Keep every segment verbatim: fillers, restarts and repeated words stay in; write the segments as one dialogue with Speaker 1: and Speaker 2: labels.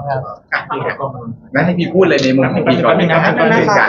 Speaker 1: คุณครับ
Speaker 2: พี่ครับงั้นให้พี่พูดเลยในมุมของพี่ก่อนนะครั
Speaker 3: บ
Speaker 2: เป็นการ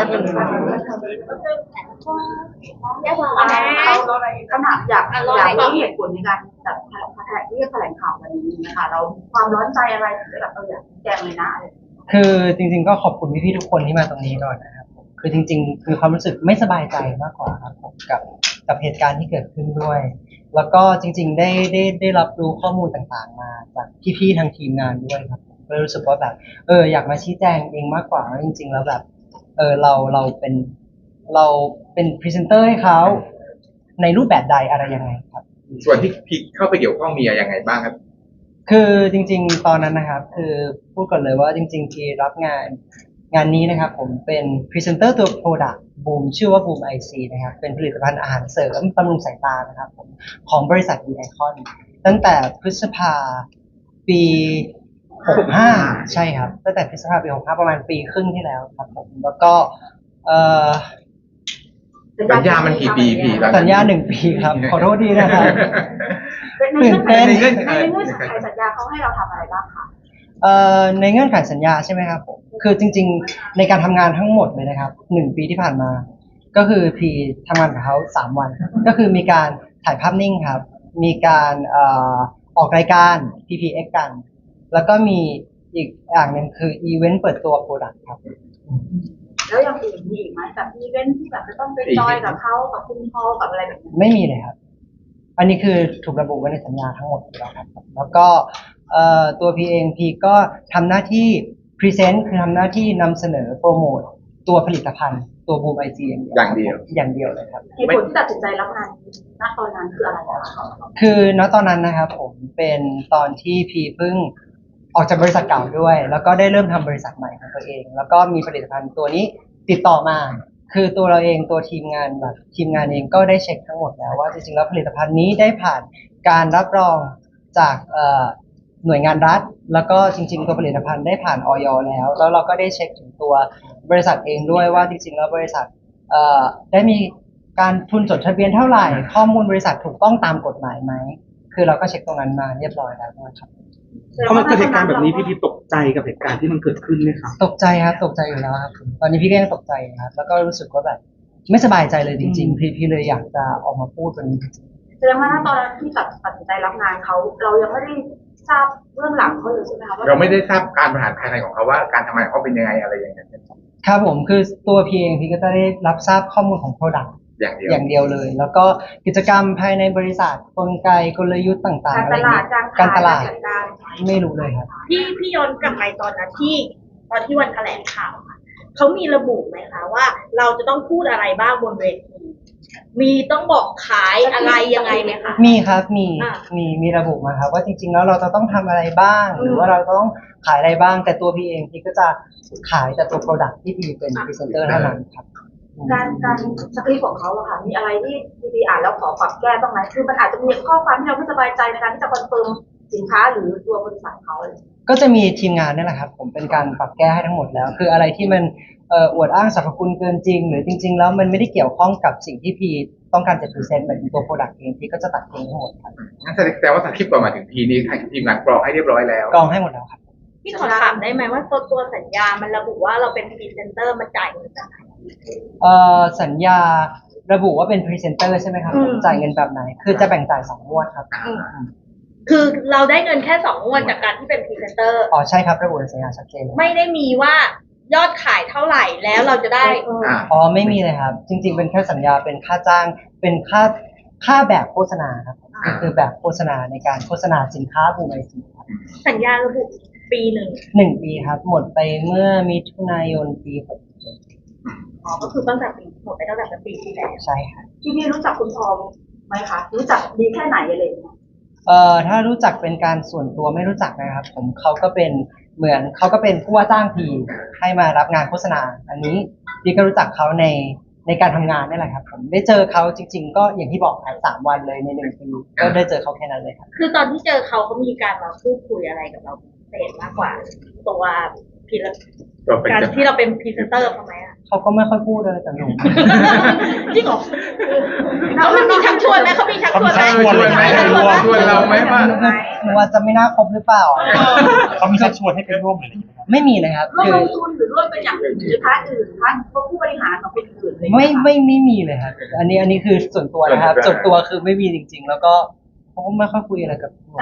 Speaker 4: แย่กว่าคำถามอยากอยากรู้เหตุผลในการแบบแถลงที่แถลงข่าววันนี้นะคะเราความร้อนใจอะไรถึงได้แบบเอออยากแจ้งเลยนะอะไร
Speaker 1: คือจริงๆก็ขอบคุณพี่ๆทุกคนที่มาตรงนี้ก่อนนะครับคือจริงๆคือความรู้สึกไม่สบายใจมากกว่าครับผมกับกับเหตุการณ์ที่เกิดขึ้นด้วยแล้วก็จริงๆได้ได้ได้รับรู้ข้อมูลต่างๆมาจากพี่ๆทางทีมงานด้วยครับผมก็รู้สึกว่าแบบเอออยากมาชี้แจงเองมากกว่าจริงๆแล้วแบบเออเราเราเป็นเราเป็นพรีเซนเตอร์ให้เขาในรูปแบบใดอะไรยังไงครับ
Speaker 2: ส่วนที่พี่เข้าไปเกี่ยวข้องมีอะไรยังไงบ้างครับ
Speaker 1: คือจริงๆตอนนั้นนะครับคือพูดก่อนเลยว่าจริงๆที่รับงานงานนี้นะครับผมเป็นพรีเซนเตอร์ตัว Product Boom ชื่อว่า Boom ไอ ซี นะครับเป็นผลิตภัณฑ์อาหารเสริมบำรุงสายตานะครับผมของบริษัท ดี ไอ คอน ตั้งแต่พฤษภาปีหกสิบห้าใช่ครับตั้งแต่พฤษภาปีหกสิบห้าประมาณปีครึ่งที่แล้วครับผมแล้วก็เอ่อ
Speaker 2: สัญญามันกี่ปีพี่
Speaker 1: สัญญาหนึ่งปีครับขอโทษดีนะครับ
Speaker 4: ตื่นเต้นในเงื่อนไขสัญญาเขาให้เราทำอะไรบ้างคะ
Speaker 1: เอ่อในเงื่อนไขสัญญาใช่ไหมครับผมคือจริงๆในการทำงานทั้งหมดเลยนะครับหนึ่งปีที่ผ่านมาก็คือพีทำงานกับเขาสามวันก็คือมีการถ่ายภาพนิ่งครับมีการเอ่อออกรายการ พี พี เอ็กซ์ กันแล้วก็มีอีกอย่างหนึ่งคืออีเวนต์เปิดตัวโปรดักต์ครับ
Speaker 4: แล้วอย่างอื่นมีอีกไหมแบบอีเวนต์ที่แบบจะต้องไปจอยกับเขากับคุณพ่อกับอะไรแบบนี้
Speaker 1: ไม่มีเลยครับอันนี้คือถูกระบุไว้ในสัญญาทั้งหมดแล้วครับแล้วก็ตัวพีเองพีก็ทำหน้าที่พรีเซนต์คือทำหน้าที่นำเสนอโปรโมทตัวผลิตภัณฑ์ตัวบูมไอจี
Speaker 2: อย่างเดียว
Speaker 1: อย่างเดียวเลยครับ
Speaker 4: เหตุผลที่ตัดสินใจรับงานณตอนนั้นคืออะไรคะ
Speaker 1: คือณตอนนั้นนะครับผมเป็นตอนที่พีเพิ่งออกจากบริษัทเก่าด้วยแล้วก็ได้เริ่มทำบริษัทใหม่ของตัวเองแล้วก็มีผลิตภัณฑ์ตัวนี้ติดต่อมาคือตัวเราเองตัวทีมงานแบบทีมงานเองก็ได้เช็คทั้งหมดแล้วว่าจริงๆแล้วผลิตภัณฑ์นี้ได้ผ่านการรับรองจากหน่วยงานรัฐแล้วก็จริงๆตัวผลิตภัณฑ์ได้ผ่านอย.แล้วแล้วเราก็ได้เช็คถึงตัวบริษัทเองด้วยว่าจริงๆแล้วบริษัทได้มีการทุนจดทะเบียนเท่าไหร่ข้อมูลบริษัทถูกต้องตามกฎหมายไหมคือเราก็เช็คตรงนั้นมาเรียบร้อยแล้วนะครับ
Speaker 3: พอมันเกิดเหตุการณ์แบบนี้พี่พี่ตกใจกับเหตุการณ์ที่มันเกิดขึ้นไหมครับ
Speaker 1: ตกใจครับตกใจอยู่แล้วครับตอนนี้พี่ก็ยังตกใจครับแล้วก็รู้สึกว่าแบบไม่สบายใจเลยจริงๆพี่พี่เลยอยากจะออกมาพูดตรงนี้
Speaker 4: แสดงว่าตอนที่ตัดตัดสินใจรับงานเขาเรายังไม่ได้ทราบเรื่องหลังเขาเลยใช่ไหมคะ
Speaker 2: เราไม่ได้ทราบการบริหารภายในของเขาว่าการทำงานเขาเป็นยังไงอะไรอย่างเงี้ย
Speaker 1: ครับผมคือตัวพี่เองพี่ก็จะได้รับทราบข้อมูลของ Product
Speaker 2: อย่างเดียว
Speaker 1: อย่างเดียวเลยแล้วก็กิจกรรมภายในบริษัทกลไกกลยุทธ์ต่างๆอะไรนี้การตลาดไม่รู้เลยครับ
Speaker 5: พี่พี่ย้อนกลับไปตอนนั้นที่ตอนที่วันแถลงข่าวค่ะเขามีระบุไหมคะว่าเราจะต้องพูดอะไรบ้างบนเวทีมีต้องบอกขายอะไรยังไงไหมคะ
Speaker 1: มีครับมีมีมีระบุมาครับว่าจริงๆแล้วเราจะต้องทำอะไรบ้างหรือว่าเราต้องขายอะไรบ้างแต่ตัวพี่เองพี่ก็จะขายแต่ตัว Product ที่พี่เป็นพรีเซนเตอร์เท่านั้นครับ
Speaker 4: การการสคริปต์ของเขาอะค่ะมีอะไรที่พีอ่านแล้วขอปรับแก้บ้างไหมคือมันอาจจะมีข้อความที่เราไม่สบายใจในการที่จะคอนเฟิร์มสินค้าหรือตัวบริษัทเขา
Speaker 1: ก็จะมีทีมงานนี่แหละครับผมเป็นการปรับแก้ให้ทั้งหมดแล้วคืออะไรที่มันเอ่ออวดอ้างสรรพคุณเกินจริงหรือจริงๆแล้วมันไม่ได้เกี่ยวข้องกับสิ่งที่พีต้องการจะพรีเซนต์แบบตัวโปรดักต์เองพีก็จะตัดทิ้งทั้งหมดครับ
Speaker 2: งั้นแสดงว่าสคริปต์ก่อนมาถึงพีนี้ทีมงานกรองให้เรียบร้อยแล้ว
Speaker 1: กรองให้หมดแล้วครับ
Speaker 5: พี่ขอถามได้ไหมว่าตัวตัวสัญญามันระบุว่าเราเป็นพรีเซนเตอร์มันจ่ายเงินจากไหน
Speaker 1: เอ่อสัญญาระบุว่าเป็นพรีเซนเตอร์ใช่ไหมครับจ่ายเงินแบบไหนคือจะแบ่งจ่ายสองงวดครับ
Speaker 5: คือเราได้เงินแค่สองงวดจากการที่เป็นพรีเซนเตอร์
Speaker 1: อ๋อใช่ครับระบุในสัญญาชัดเจน
Speaker 5: ไม่ได้มีว่ายอดขายเท่าไหร่แล้วเราจะได้
Speaker 1: อ๋อไม่มีเลยครับจริงๆเป็นแค่สัญญาเป็นค่าจ้างเป็นค่าค่าแบบโฆษณาครับคือแบบโฆษณาในการโฆษณาสินค้าบูมไอซีครับ
Speaker 5: สัญญาระบุปีหนึ่ง
Speaker 1: หนึ่งปีครับหมดไปเมื่อมิถุนายนปีหก
Speaker 5: อ๋อก็คือตั้งแต่ปีหมดไปตั้งแต่ปีที่แล้ว
Speaker 1: ใช่ค่ะ
Speaker 4: ที่พี่รู้จักคุณทองไหมคะรู้จักดีแค่ไหนอะไรอย่างเงี้ย
Speaker 1: เอ่อถ้ารู้จักเป็นการส่วนตัวไม่รู้จักนะครับผมเขาก็เป็นเหมือนเขาก็เป็นผู้ว่าจ้างพีให้มารับงานโฆษณาอันนี้พี่ก็รู้จักเขาในในการทำงานนี่แหละครับผมได้เจอเขาจริงๆก็อย่างที่บอกครับสามวันเลยในหนึ่งปีก็ได้เจอเขาแค่นั้นเลยครับ
Speaker 5: คือตอนที่เจอเขาเขามีการมาพูดคุยอะไรกับเราพิเศษมากกว่าตัวพีการที่เราเป็นพรีเซนเตอร์ทำไมอ่ะ
Speaker 1: เขาก็ไม่ค่อยพูดเลยแต่หนู
Speaker 5: จริงเหรอแล้วมันมีชักชวนไหมเขามีชักชวนไหม
Speaker 2: ชวนไหมชวนเราไหมว่า
Speaker 1: หนูว่าจะไม่น่าคบหรือเปล่า
Speaker 3: เขามีชักชวนให้ไปร่วมหรืออะไรอย่างเงี้ยไหมครับ
Speaker 1: ไม่มีเลยครับ
Speaker 4: ร่วม
Speaker 1: คือ
Speaker 4: ลงทุนหรือร่วมเป็นอย่างอื่นหรือพาร์ทอื่นพาร์ทผู้บริหารของเป็นอื่นอะไรอย่าง
Speaker 1: ไม่
Speaker 4: เงี้ยค่ะ
Speaker 1: ไม่ไม่มีเลยครับ อันนี้อันนี้คือส่วนตัวนะครับ ส่วนตัวคือไม่มีจริง ๆ แล้วก็เขาก็ไม่ค่อยคุยอะไรกับผม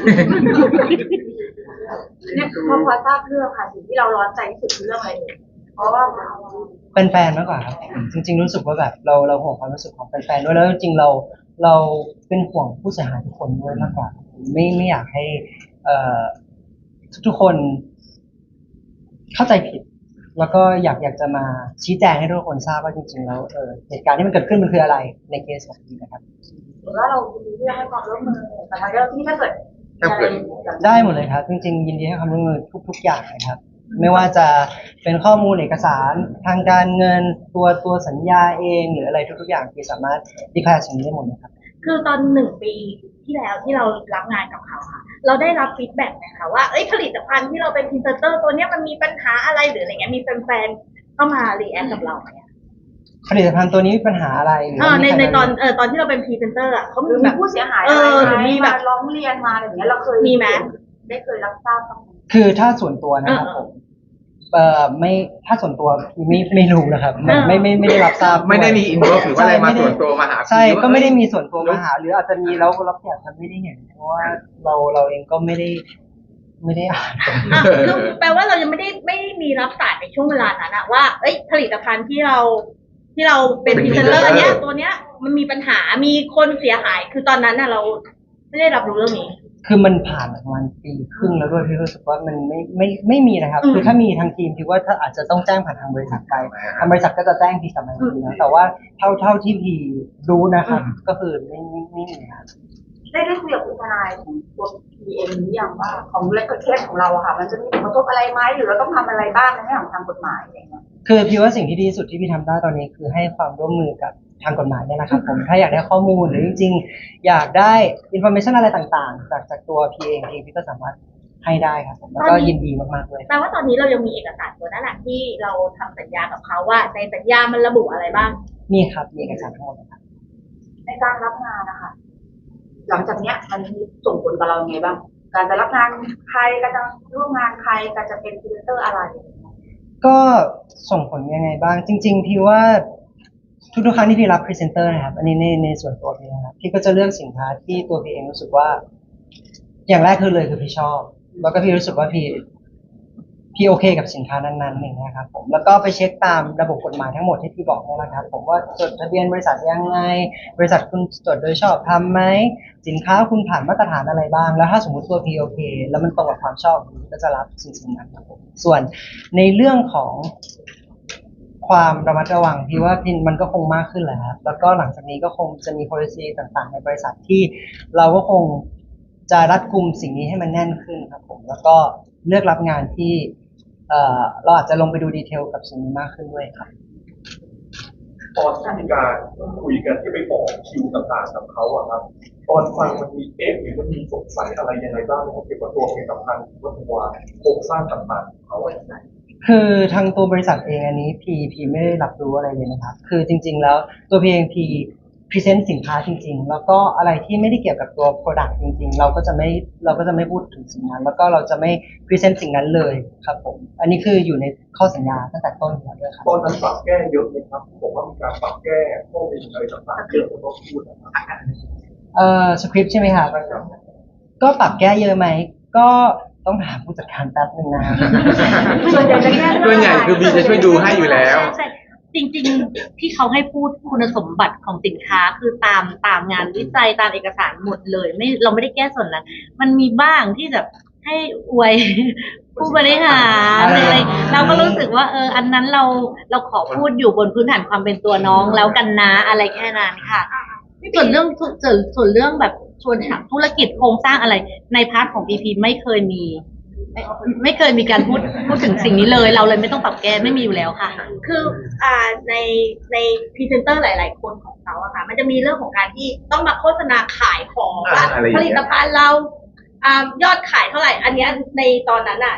Speaker 4: เนี่ยพอพอทราบเรื่องค่ะสิ่งที่เราร้อนใจที่สุดคือเรื่องอะไรเอ่ยเพราะว่า
Speaker 1: เป็นแฟนมากกว่าครับ จริง ๆ รู้สึกว่าแบบเราเราห่วงความรู้สึกของแฟนๆด้วยแล้วจริงๆเราเราเป็นห่วงผู้เสียหายทุกคนด้วยมากกว่า ไม่ไม่อยากให้ เอ่อทุกๆคนเข้าใจผิด แล้วก็อยากอยากจะมาชี้แจงให้ทุกคนทราบว่าจริงๆแล้วเออเหตุการณ์ที่มันเกิดขึ้นมันคืออะไรในเคสของนี้นะครับ
Speaker 4: หรือว่าเราดีที่จะให้ความร่วมมือแต่ทางเจ้าหน้าที่ถ้าเกิด
Speaker 2: ถ้าเกิด
Speaker 1: ได้หมดเลยครับ จริงๆ ยินดีให้ความร่วมมือทุกๆอย่างนะครับ ไม่ว่าจะเป็นข้อมูลเอกสารทางการเงินตัวตัวสัญญาเองหรืออะไรทุกๆอย่างที่สามารถดีแคลร์สิ่งนี้ได้หมดเลยครับ
Speaker 5: คือตอนหนึ่งปีที่แล้วที่เรารับงานกับเขาค่ะ เราได้รับฟีดแบ็กไหมคะว่าเอ้ยผลิตภัณฑ์ที่เราเป็นพรีเซนเตอร์ตัวเนี้ยมันมีปัญหาอะไรหรืออะไรเงี้ยมีแฟนๆเข้ามารีแอคกับเราไหมอะ
Speaker 1: ผลิตภัณฑ์ตัวนี้มีปัญหาอะไรหรือ
Speaker 5: เออใน
Speaker 1: มีใคร
Speaker 5: ในตอน
Speaker 1: มา
Speaker 5: เออตอนที่เราเป็นพรีเซนเตอร์อ่ะเขา
Speaker 4: ห
Speaker 5: มี
Speaker 4: รือ
Speaker 5: แบ
Speaker 4: มี
Speaker 5: บ
Speaker 4: ผู้เสียหาย
Speaker 5: เอ
Speaker 4: อะไร
Speaker 5: อหรือมีแบบ
Speaker 4: ร้องเรียนมาอะไรอย่างเงี้ยเราเคย
Speaker 5: มีไหม
Speaker 4: ได้เคยรับทราบบ้างไหม
Speaker 1: คือถ้าส่วนตัวนะครับ
Speaker 5: เออ
Speaker 1: ผมเอ่อไม่ถ้าส่วนตัวพี่ไม่ไม่รู้นะครับไม่
Speaker 5: เออ
Speaker 1: ไม่ไม่ไม่ได้รับทราบ
Speaker 2: ไม่ได้มีอินบ็อกซ์หรือว่าอะไรมา
Speaker 1: ใช่
Speaker 2: ส่วนตัวมาหาพี่
Speaker 1: ใช่
Speaker 2: ว่า
Speaker 1: ก็ไม่ได้มีส่วนตัว
Speaker 2: เอ้
Speaker 1: มาย หาหรืออาจจะมีแล้วเราแค่จะไม่ได้เห็นเพราะว่าเราเราเองก็ไม่ได้ไม่ได้อ่าน
Speaker 5: อ่ะคือแปลว่าเรายังไม่ได้ไม่ได้มีรับสารในช่วงเวลานั้นอะว่าเอ้ยผลิตภัณฑ์ที่เราที่เราเป็นพรีเซนเตอร์อันเนี้ยตัวเนี้ยมันมีปัญหามีคนเสียหายคือตอนนั้นน่ะเราไม่ได้รับรู้เรื่องนี้
Speaker 1: คือมันผ่านมาประมาณปีครึ่งแล้วด้วยพี่รู้สึกว่ามันไม่ไม่ไม่มีนะครับ
Speaker 5: อืม
Speaker 1: คือถ้ามีทางทีมพี่ว่าถ้าอาจจะต้องแจ้งผ่านทางบริษัทไปทางบริษัทก็จะแจ้งพี่กลับมาอีกทีนะแต่ว่าเท่าเท่าที่พี่รู้นะครับ ก็คือไม่ไม่ไม่มีครับ
Speaker 4: ได้ได้คุยกับคุณทนายของตัวพีเอ็มหรือยังว่าของเลกเคสของเราอะค่ะ มันจะมีผลกระทบอะไรไหมหรือเราต้องทำอะไรบ้างในแง่ของทางกฎหมายอะไรอย่างเงี้ย
Speaker 1: คือพี่ว่าสิ่งที่ดีที่สุดที่พี่ทำได้ตอนนี้คือให้ความร่วมมือกับทางกฎหมายเนี่ยนะครับผมถ้าอยากได้ข้อมูลหรือจริงๆ อยากได้อินโฟเมชันอะไรต่างๆ จากจากตัวพี่เองเองพี่ก็สามารถให้ได้ครับผมแล้วก็ยินดีมากๆเลย
Speaker 5: แปลว่าตอนนี้เรายังมีเอกสารตัวนั้นแหละที่เราทำสัญญากับเขาว่าในสัญญามันระบุอะไรบ้าง
Speaker 1: มีครับมีเอกสารทั้งหมดนะครับ
Speaker 4: ในการรับงานนะคะหลังจากเนี้ยมันมีส่งผลกับเรายังไงบ้าง การจะรับงานใครการจะร่วมงานใครการจะเป็นพรีเซนเตอร์อะไร
Speaker 1: ก็ส่งผลยังไงบ้าง จริง ๆ พี่ว่าทุกๆครั้งที่พี่รับพรีเซนเตอร์นะครับ อันนี้ในในส่วนตัวพี่นะครับพี่ก็จะเลือกสินค้าที่ตัวพี่เองรู้สึกว่า อย่างแรกคือเลยคือพี่ชอบ แล้วก็พี่รู้สึกว่าพี่พี่โอเคกับสินค้านั้นๆอย่างเงี้ยครับผมแล้วก็ไปเช็คตามระบบกฎหมายทั้งหมดที่พี่บอกนี่แหละครับ ผมว่าจดทะเบียนบริษัทยังไง บริษัทคุณจดโดยชอบทำไหมสินค้าคุณผ่านมาตรฐานอะไรบ้าง แล้วถ้าสมมติตัวพี่โอเค แล้วมันตรงกับความชอบพี่ก็จะรับสิ่งสิ่งนั้นครับผมส่วนในเรื่องของความระมัดระวังพี่ว่าพี่มันก็คงมากขึ้นแหละครับแล้วก็หลังจากนี้ก็คงจะมี policy ต่างๆ ในบริษัทที่เราก็คงจะรัดกุมสิ่งนี้ให้มันแน่นขึ้นครับผมแล้วก็เลือกรับงานที่เอ่อเราอาจจะลงไปดูดีเทลกับสิ่งนี้มากขึ้นด้วยครับ
Speaker 6: ตอนที่มีการคุยกันที่ไปบอกคิวต่างๆกับเขาอะครับตอนฟังมันมีเอ๊ะหรือมันมีสงสัยอะไรยังไงบ้างเกี่ยวกับตัวผลิตภัณฑ์หรือว่าตัวโครงสร้างต่างๆของเขาอะไรอย่างเงี้ย
Speaker 1: คือทางตัวบริษัทเองอันนี้พีพีไม่ได้รับรู้อะไรเลยนะครับ คือจริง ๆ แล้วตัวพีเองพีพรีเซนต์สินค้าจริง ๆ แล้วก็อะไรที่ไม่ได้เกี่ยวกับตัว Product จริง ๆ เราก็จะไม่เราก็จะไม่พูดถึงสิ่งนั้น แล้วก็เราจะไม่พรีเซนต์สิ่งนั้นเลยครับผมอันนี้คืออยู่ในข้อสัญญาตั้งแต่ต้นอยู่แล้วด้วยครับ
Speaker 6: ตอนนั้นปรับแก้เยอะไหมครับบอกว่ามีการปรับแก้ข้อมูลอะไรต่างๆเรื่องของตัวพูดนะครับ
Speaker 1: เอ่อสคริปต์ใช่ไหมครับก็ปรับแก้เยอะไหมก็ต้องถามผู้จัดการแป๊บนึงนะครับ
Speaker 4: ส่วนใหญ่จะแก้
Speaker 2: ส่วนใหญ่คือบีจะช่วยดูให้อยู่แล้ว
Speaker 7: ใช่ใช่จริงๆที่เขาให้พูดคุณสมบัติของสินค้าคือตามตามงานวิจัยตามเอกสารหมดเลยไม่เราไม่ได้แก้ส่วนนั้นมันมีบ้างที่แบบให้อวย ผู้บริหารหรืออะไรเราก็รู้สึกว่าเอออันนั้นเราเราขอพูดอยู่บนพื้นฐานความเป็นตัวน้องแล้วกันนะอะไรแค่นั้นค่ะส่วนเรื่องส่วนส่วนเรื่องแบบชวนถามธุรกิจโครงสร้างอะไรในพาร์ทของพีพีไม่เคยมีไม่ไม่เคยมีการพูดพูดถึงสิ่งนี้เลยเราเลยไม่ต้องปรับแก้ไม่มีอยู่แล้วค่ะ
Speaker 5: คืออ่าในในพรีเซนเตอร์หลาย ๆ คนของเขาอะค่ะมันจะมีเรื่องของการที่ต้องมาโฆษณาขายของว่า
Speaker 2: อ่าอะไรอย่าง
Speaker 5: ผ
Speaker 2: เงี้ย
Speaker 5: ลิตภัณฑ์เราอ่ายอดขายเท่าไหร่ อันเนี้ยในตอนนั้นอะ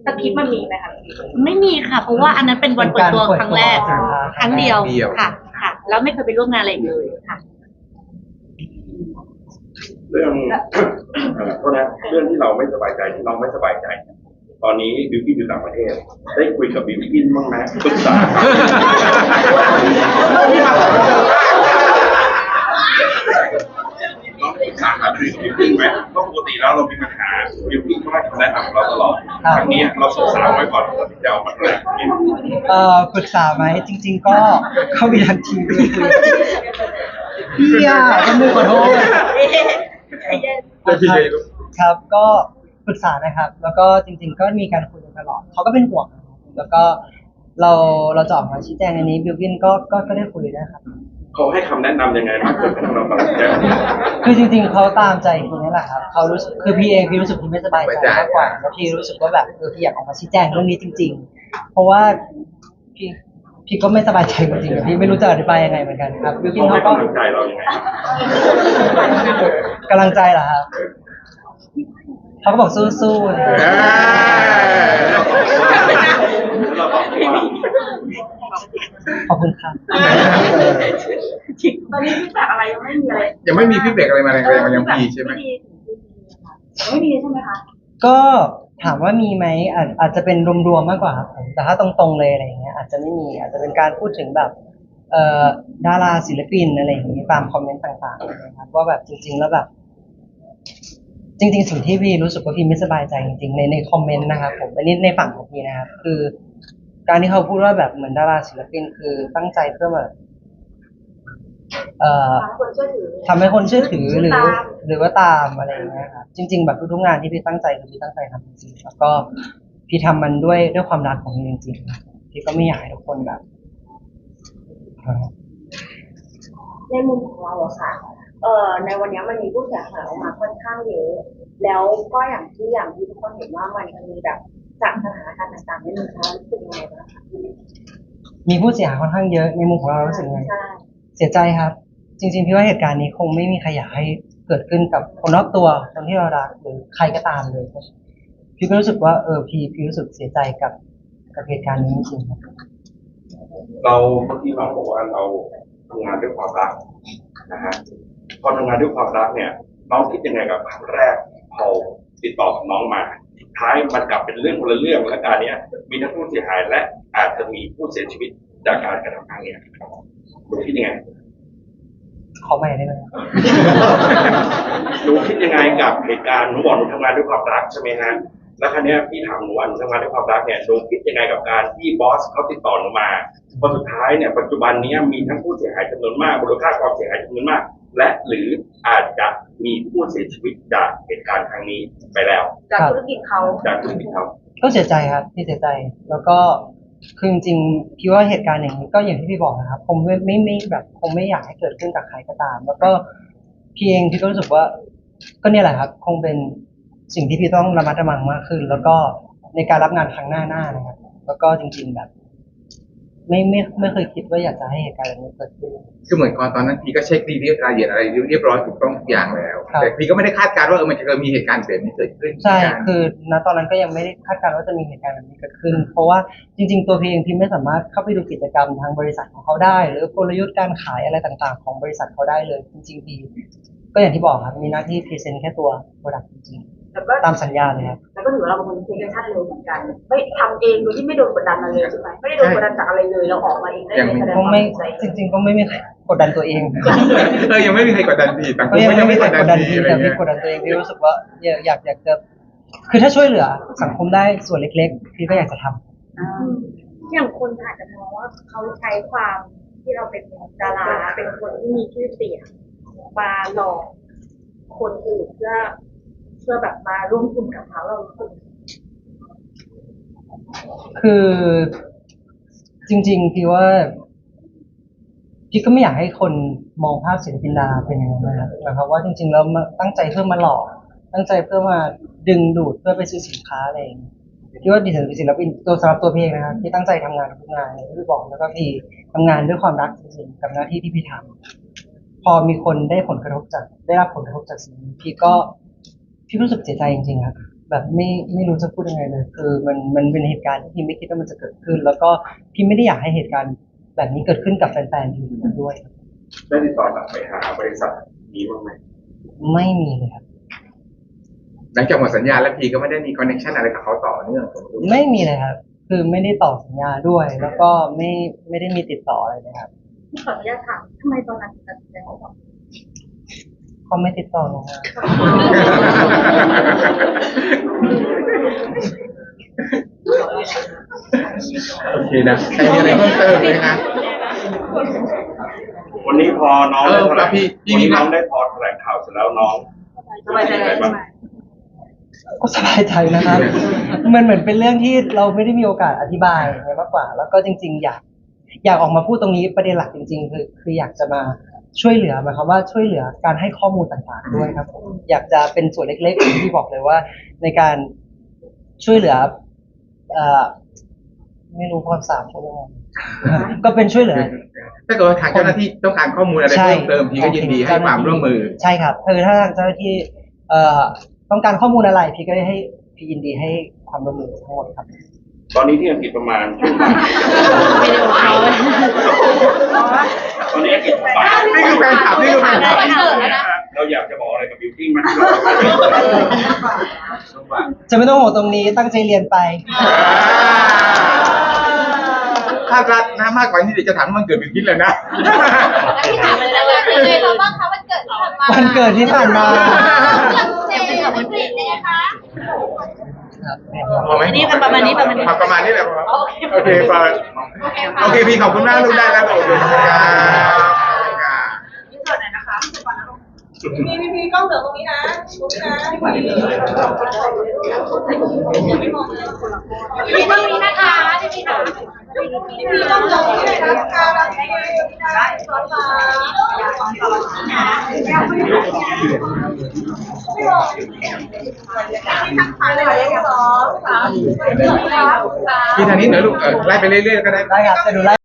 Speaker 5: สคริปต์มันมีไหมคะ
Speaker 7: ไม่มีค่ะ เพราะว่าอันนั้นเป็นวันเปิดตัวครั้งแรก
Speaker 1: เป็นการเปิดตัว
Speaker 7: ครั้งเดียว
Speaker 2: เดียว
Speaker 7: ค่ะ ค่ะ แล้วไม่เคยไปร่วมงานอะไรอีกเลยค่ะ
Speaker 6: เรื่อง เอ่อโทษนะเรื่องที่เราไม่สบายใจที่น้องไม่สบายใจ ตอนนี้บิวกิ้นอยู่ต่างประเทศ ได้คุยกับบิวกิ้นบ้างไหมปรึกษาน้องปรึกษาหารือกับบิวกิ้นไหมเพราะปกติแล้วเรามีปัญหาบิวกิ้นก็ให้คำแนะนำเราตลอดครั้งนี้เราศึกษาไว้ก่อนเราถึงจะเอามาแถลง
Speaker 1: เอ่อปรึกษาไหมจริง ๆ ก็เข้ามีทันทีเลยคุยพี่อ่ะก็มือขอโทษ ครับครับก็ปรึกษานะครับ แล้วก็จริง ๆ ก็มีการคุยกันตลอดเขาก็เป็นห่วงนะครับแล้วก็เราเราจะออกมาชี้แจงในนี้บิวกินก็ก็ก็ได้คุยนะครับ
Speaker 6: เขาให้คำแนะนำยังไงบ้างจนกระทั่งเราตัดสินใจ
Speaker 1: คือจริง ๆเขาตามใจคุณนี่แหละครับเขารู้สึกคือพี่เองพี่รู้สึกพี่ไม่สบายใจมากกว่าแล้วพี่รู้สึกว่าแบบเออพี่อยากออกมาชี้แจงเรื่องนี้จริง ๆ เพราะว่าพี่พี่ก็ไม่สบายใจจริงๆพี่ไม่รู้จะอธิบายยังไงเหมือนกันครับบิวกิน
Speaker 6: เขาให้
Speaker 1: เขาก็
Speaker 6: กำลังใจเรายังไง
Speaker 1: กำลังใจเหรอครับเขาก็บอกสู้ๆอะไรอย่างเงี้ย
Speaker 6: เราบอกว่า
Speaker 1: ขอบคุณครับ
Speaker 4: ตอนนี้ฟีดแบ็กอะไรยังไม่มีอะไร
Speaker 2: ยังไม่มีฟีดแบ็กอะไรมาแรงๆมันยังมีใช่ไหม
Speaker 4: ไม่มีใช่ไหมคะ
Speaker 1: ก็ถามว่ามีไหมอาจอาจจะเป็นรวมๆมากกว่าครับผมแต่ถ้าตรงๆเลยอะไรอย่างเงี้ยอาจจะไม่มีอาจจะเป็นการพูดถึงแบบเอ่อดาราศิลปินอะไรอย่างเงี้ยตามคอมเมนต์ต่างๆนะครับว่าแบบจริง ๆ แล้วแบบ จริง ๆ สิ่งที่พี่รู้สึกว่าพี่ไม่สบายใจจริงๆในในคอมเมนต์นะครับผมอันนี้ในฝั่งของพี่นะครับคือ การที่เขาพูดว่าแบบเหมือนดาราศิลปินคือตั้งใจเพื่อแบบเอ่อ
Speaker 4: คนเชื่อถือ
Speaker 1: ทำให้คนเชื่อถือหรือ
Speaker 4: ตาม
Speaker 1: หรือว่าตามอะไรอย่างเงี้ยครับจริง ๆ แบบทุกๆงานที่พี่ตั้งใจคือพี่ตั้งใจทำจริงๆแล้วก็พี่ทำมันด้วยด้วยความรักของพี่จริงๆพี่ก็ไม่อยากให้ทุกคนแบบเอ่อ
Speaker 4: ในมุมของเราอะค่ะ เอ่อ ในวันนี้มันมีผู้เสียหายออกมาค่อนข้างเยอะ แล้วก็อย่างที่อย่างที่ทุกคนเห็นว่ามันมันมีแบบจากสถานการณ์ต่างๆนี่มันคะรู้สึกยังไงบ้างคะ
Speaker 1: มีผู้เสียหายค่อนข้างเยอะในมุมของเรารู้สึกไง
Speaker 4: ใช่
Speaker 1: เสียใจครับ จริง ๆ พี่ว่าเหตุการณ์นี้คงไม่มีใครอยากให้เกิดขึ้นกับคนรอบตัวคนที่เรารักหรือใครก็ตามเลย พี่ก็รู้สึกว่าเออพี่พี่รู้สึกเสียใจกับกับเหตุการณ์นี้จริงๆครับ
Speaker 6: เราเมื่อกี้น้องบอกว่าเราทำงานด้วยความรักนะฮะพอทำงานด้วยความรักเนี่ย น้องคิดยังไงกับครั้งแรกพอติดต่อกับน้องมาสุดท้ายมันกลับเป็นเรื่องคนละเรื่องและการเนี้ยมีทั้งผู้เสียหายและอาจจะมีผู้เสียชีวิตจากการกระทำครั้งเนี้ยคุณคิดยังไง
Speaker 1: ขอใหม่ได้ไหม
Speaker 6: หนูคิดยังไงกับเหตุการณ์หนูบอกหนูทำงานด้วยความรักใช่ไหมฮะแล้วครั้งนี้ยพี่ถามหนูว่าหนูทำงานด้วยความรักเนี่ยหนูคิดยังไงกับการที่บอสเขาติดต่อหนูมาพอสุดท้ายเนี่ยปัจจุบันนี้มีทั้งผู้เสียหายจำนวนมากมูลค่าความเสียหายจำนวนมาก และหรืออาจจะมีผู้เสียชีวิตจากเหตุการณ์ครั้งนี้ไปแล้ว
Speaker 4: จากธุรกิจเขา
Speaker 6: จากธุรกิจเขา
Speaker 1: ก็เสียใจครับพี่เสียใจ แล้วก็คือจริงๆพี่ว่าเหตุการณ์อย่างนี้ก็อย่างที่พี่บอกนะครับผมไม่ไม่ไม่แบบคงไม่อยากให้เกิดขึ้นกับใครก็ตาม แล้วก็พี่เองพี่ก็รู้สึกว่า ก็เนี่ยแหละครับ คงเป็นสิ่งที่พี่ต้องระมัดระวังมากขึ้น แล้วก็ในการรับงานครั้งหน้าหน้านะครับ แล้วก็จริง ๆแบบ ไม่ไม่ไม่เคยคิดว่าอยากจะให้เหตุการณ์แบบนี้เกิดขึ้น
Speaker 2: คือเหมือนก่อนตอนนั้นพี่ก็เช็คดีเรียบรายละเอียดอะไรเรียบร้อยถูกต้องทุกอย่างแล้ว
Speaker 1: ครับ
Speaker 2: แต่พี่ก็ไม่ได้คาดการณ์ว่าเออมันจะเกิดมีเหตุการณ์แบบนี้เกิดขึ้น
Speaker 1: ใช่
Speaker 2: เหมือนกัน
Speaker 1: คือณตอนนั้นก็ยังไม่ได้คาดการณ์ว่าจะมีเหตุการณ์แบบนี้เกิดขึ้น เพราะว่าจริง ๆ ตัวพี่เองพี่ไม่สามารถเข้าไปดูกิจกรรมทางบริษัทของเขาได้ หรือกลยุทธ์การขายอะไรต่างๆ ของบริษัทเขาได้เลย จริงๆพี่ก็อย่างที่บอกครับ มีหน้าที่พรีเซนต์แค่ตัวโปรดักต์จริง
Speaker 4: แล้วก็
Speaker 1: ๆ ตามสัญญาเลยครับ
Speaker 4: แล้วก็ถือว่าเราเป็นคนที่เทคชั่นเร็วเหมือนกัน ไม่ทำเองโดยที่ไม่โดนกดดันมาเลยใช่ไหมไม่ได้โดนกดดันจากอะไรเลย เราออกมาเองได้เลยแสดง
Speaker 1: ก็
Speaker 4: ความ
Speaker 1: ไม่
Speaker 4: ใจ
Speaker 1: จริง ๆ ก็ไม่มีใครกดดันตัวเอง
Speaker 2: เออยังไม่มีใครกดดันพี่ต่างค
Speaker 1: ก็
Speaker 2: น
Speaker 1: ยัง
Speaker 2: ก็
Speaker 1: ไม่
Speaker 2: ยัง
Speaker 1: มี
Speaker 2: ไม่
Speaker 1: ใค
Speaker 2: ก
Speaker 1: ร
Speaker 2: ด
Speaker 1: ก
Speaker 2: ดั
Speaker 1: ด
Speaker 2: น
Speaker 1: ดัน
Speaker 2: พี่
Speaker 1: พี่
Speaker 2: อะไร
Speaker 1: แต่พี่
Speaker 2: เงี้ย
Speaker 1: กดดันตัวเองพี่รู้สึกว่าอยากอยากอยากจะคือถ้าช่วยเหลือสังคมได้ส่วนเล็กๆพี่ก็อยากจะทำ
Speaker 4: อ่า
Speaker 5: อย่างคนอาจจะมองว่าเขาใช้ความที่เราเป็นดาราเป็นคนที่มีชื่อเสียงมาหลอกคนอื่นเพื่อเพื่อแบบมาร่วมทุนกับเขาเรารู้สึก
Speaker 1: คือจริงๆพี่ว่า พี่ก็ไม่อยากให้คนมองภาพศิลปินดาราเป็นอย่างนั้นนะครับหมายความว่าจริงๆแล้วมาตั้งใจเพื่อมาหลอกตั้งใจเพื่อมาดึงดูดเพื่อไปซื้อสินค้าอะไรอย่างเงี้ยพี่ว่าดิฉันเป็นศิลปินตัวสำหรับตัวพี่เองนะครับที่ตั้งใจทำงานทุกงานอย่างที่พี่บอกแล้วก็พี่ทำงานด้วยความรักจริงๆกับหน้าที่ที่พี่ทำพอมีคนได้ผลกระทบจากได้รับผลกระทบจากสิ่งนี้พี่ก็พี่รู้สึกเสียใจจริงๆครับแบบไม่ไม่รู้จะพูดยังไงเลย คือมันมันเป็นเหตุการณ์ที่พิมไม่คิดว่ามันจะเกิดขึ้น แล้วก็พิมไม่ได้อยากให้เหตุการณ์แบบนี้เกิดขึ้นกับแฟนๆพิมด้วย
Speaker 2: ได้ติดต่อกลับไปหาบริษัทนี้บ้างไหม
Speaker 1: ไม่มีเลยครับ
Speaker 2: หลังจากหมดสัญญาแล้วพีก็ไม่ได้มีคอนเนคชั่นอะไรกับเขาต่อเนื่องผมดู
Speaker 1: ไม่มีเลยครับ คือไม่ได้ต่อสัญญาด้วย แล้วก็ไม่ไม่ได้มีติดต่ออะไรเลยครับ
Speaker 5: ขออนุญาตถามทำไมตอนนั้นถึงตัดสินใจออก
Speaker 1: เขาไม่ติดต่อลงมา
Speaker 2: โอเคนะใครมีอะไรเพิ่มเติมไหมนะ
Speaker 6: วันนี้พอน้อง
Speaker 2: เอ
Speaker 6: ได้
Speaker 2: อ
Speaker 6: แถลง
Speaker 2: พี่พี่
Speaker 6: วันนี้
Speaker 2: มี
Speaker 6: น้องได้พอแถลงข่าวเสร็จแล้วน้อง
Speaker 5: สบายใจ
Speaker 6: เป็นยังไงบ้าง
Speaker 1: ก็สบายใจนะครับ มันเหมือนเป็นเรื่องที่เราไม่ได้มีโอกาสอธิบายไงมากกว่า แล้วก็จริง ๆ อยาก อยากออกมาพูดตรงนี้ประเด็นหลักจริง ๆ คือคืออยากจะมาช่วยเหลือหมายความว่าช่วยเหลือการให้ข้อมูลต่างๆด้วยครับผมอยากจะเป็นส่วนเล็กๆที่บอกเลยว่า ในการช่วยเหลือเอ่อไม่รู้ภาษาเขาเรียกว่าก็เป็นช่วยเหลือ
Speaker 2: ถ้าเกิดว่าทางเจ้าหน้าที่ต้องการข้อมูลอะไรเพิ่มเติมพีก็ยินดีให้ความร่วมมือ
Speaker 1: ใช่ครับคือถ้าทางเจ้าหน้าที่เอ่อต้องการข้อมูลอะไรพี่ก็ให้พี่ยินดีให้ความร่วมมือทั้งหมดครับ
Speaker 6: ตอนนี้ที่อังกฤษประมาณช่วงบ่าย
Speaker 7: วิดีโอคอล
Speaker 6: ตอนนี้อังกฤษบ่าย
Speaker 2: นี่คือแฟนคลับนี่คือแฟนคลับ
Speaker 6: เราอยากจะบอกอะไรกับบิวกิ้งไหมที่เรา
Speaker 1: จะไม่ต้องห่วงตรงนี้ตั้งใจเรียนไป
Speaker 2: ถ้ารัดนะมากกว่านี้เดี๋ยวจะถามมันเกิดเป็นคิดเลยนะ
Speaker 5: ที่ถามเลยนะว่าเป็นไงบ้างคะวันเกิดที่ผ่านมา
Speaker 1: วันเกิดที่ผ่านมา
Speaker 5: เจมส์กับวันเกิดยังไงคะ
Speaker 7: อันนี้ประมาณนี้ประมาณนี้
Speaker 2: ประมาณนี้แหละครับโอเคเฟิร์นโอเคพี่ขอบคุณมากลูกได้แล้วโอเคครับ
Speaker 5: พี่พี่พี่กล้องเหลือตรงนี้นะตรงนี้นะพี่พี่ยังไม่มองเลยพี่ตรงนี้นะคะพี่พี่นะพี่พี่กล้องเหลือตรงนี้เลยนะคะพี่ได้ขอฝากไม่บอกพี่ทำผ่านเลยสองสาม
Speaker 2: พี่ทางนี้เดี๋ยวลูกเออไล่ไปเรื่อยๆก็ได้
Speaker 1: ได้ครับจะดูไลฟ์